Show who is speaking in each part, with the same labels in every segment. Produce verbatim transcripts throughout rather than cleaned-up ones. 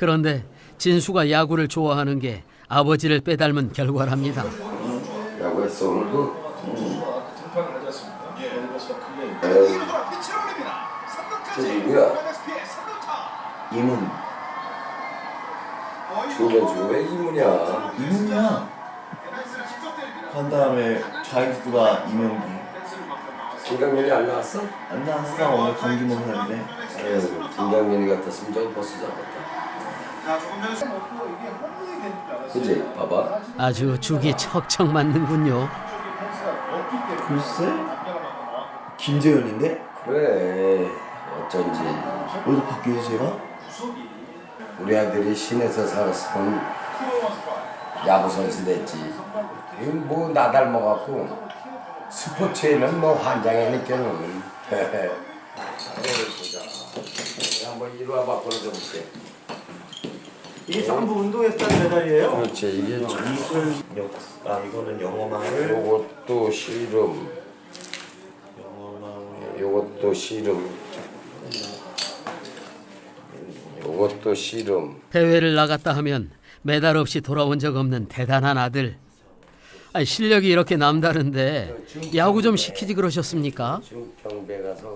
Speaker 1: 그런데 진수가 야구를 좋아하는 게 아버지를 빼닮은 결과랍니다.
Speaker 2: 야구했어 오늘도? 저 누구야?
Speaker 3: 이문.
Speaker 2: 중견수 왜 이문이야?
Speaker 3: 이문이야. 한 다음에 좌익수가 이명기.
Speaker 2: 김강민이 안 나왔어?
Speaker 3: 안 나왔어. 오늘 경기 못하는데.
Speaker 2: 아유, 김강민이 같았으면 저 버스 잡았다. 그치? 봐봐.
Speaker 1: 아주 죽이 척척 맞는군요.
Speaker 3: 글쎄? 김재현인데?
Speaker 2: 그래 어쩐지
Speaker 3: 어디서 바뀌어서 제가?
Speaker 2: 우리 아들이 시내에서 살았으면 야구 선수 됐지. 이건 뭐 나 닮아갖고 스포츠에는 뭐 환장이니까는. 보자. 한번 이리 와봐 걸어줘볼게.
Speaker 3: 이게 전부 운동했다는 메달이에요?
Speaker 2: 그렇지 이게
Speaker 3: 미술 역사. 이거는 영어마을.
Speaker 2: 요것도 씨름.
Speaker 3: 영어마을.
Speaker 2: 요것도 씨름. 요것도 씨름.
Speaker 1: 대회를 나갔다 하면 메달 없이 돌아온 적 없는 대단한 아들. 아니, 실력이 이렇게 남다른데 야구 좀 시키지 그러셨습니까?
Speaker 2: 지금 경배 가서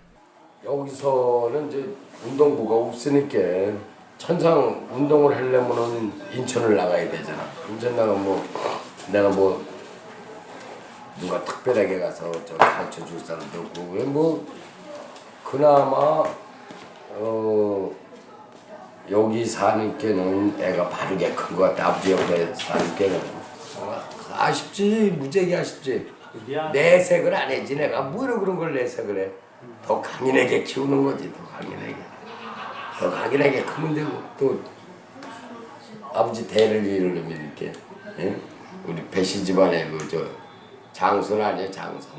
Speaker 2: 여기서는 이제 운동부가 없으니까 천상 운동을 하려면은 인천을 나가야 되잖아. 인천 나가면 뭐 내가 뭐 누가 특별하게 가서 저 가르쳐 줄 사람도 없고 왜 뭐 그나마 어 여기 사는 게는 애가 바르게 큰 것 같아. 아버지 옆에 사는 게는 아쉽지. 무지하게 아쉽지. 내색을 안 해지. 내가 뭐로 그런 걸 내색을 해. 더 강인하게 키우는 거지. 더 강인하게. 더 강인하게 크면 되고 또 아버지 대를 이루려면 이렇게 예? 우리 배씨 집안에 그 저 장손 아니야 장손.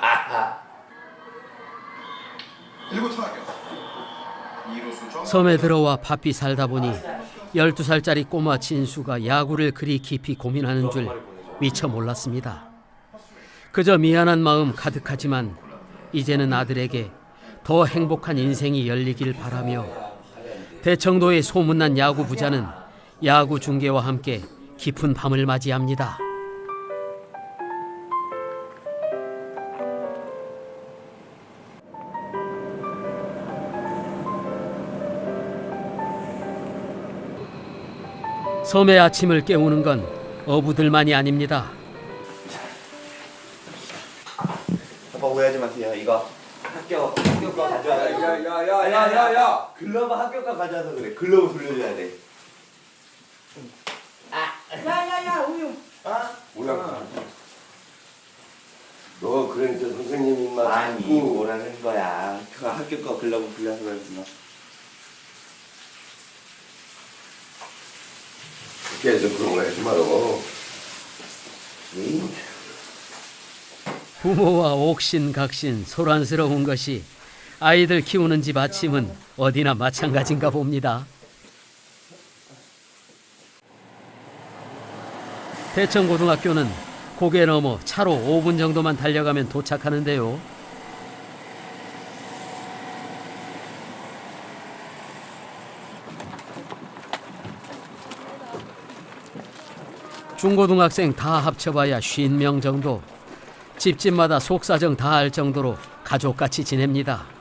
Speaker 1: 섬에 들어와 바삐 살다 보니 열두 살짜리 꼬마 진수가 야구를 그리 깊이 고민하는 줄 미처 몰랐습니다. 그저 미안한 마음 가득하지만 이제는 아들에게 더 행복한 인생이 열리길 바라며 대청도의 소문난 야구 부자는 야구 중계와 함께 깊은 밤을 맞이합니다. 섬의 아침을 깨우는 건 어부들만이 아닙니다.
Speaker 3: 아빠 오해하지 마세요. 이거 학교 학교 거 가져와야
Speaker 2: 야야야야야야.
Speaker 3: 글러브 학교 거 가져와서 그래. 글러브 돌려줘야 돼.
Speaker 4: 야야야 우유.
Speaker 3: 아?
Speaker 2: 뭐야? 너 그러니까 선생님 입맛
Speaker 3: 아니
Speaker 2: 자꾸
Speaker 3: 뭐라는 거야. 그 학교 거 글러브 돌려서 그랬구나.
Speaker 2: 계속 그런 거 하지 말고. 응?
Speaker 1: 부모와 옥신각신 소란스러운 것이 아이들 키우는 집 아침은 어디나 마찬가지인가 봅니다. 대청고등학교는 고개 넘어 차로 오 분 정도만 달려가면 도착하는데요. 중고등학생 다 합쳐봐야 오십 명 정도. 집집마다 속사정 다 알 정도로 가족같이 지냅니다.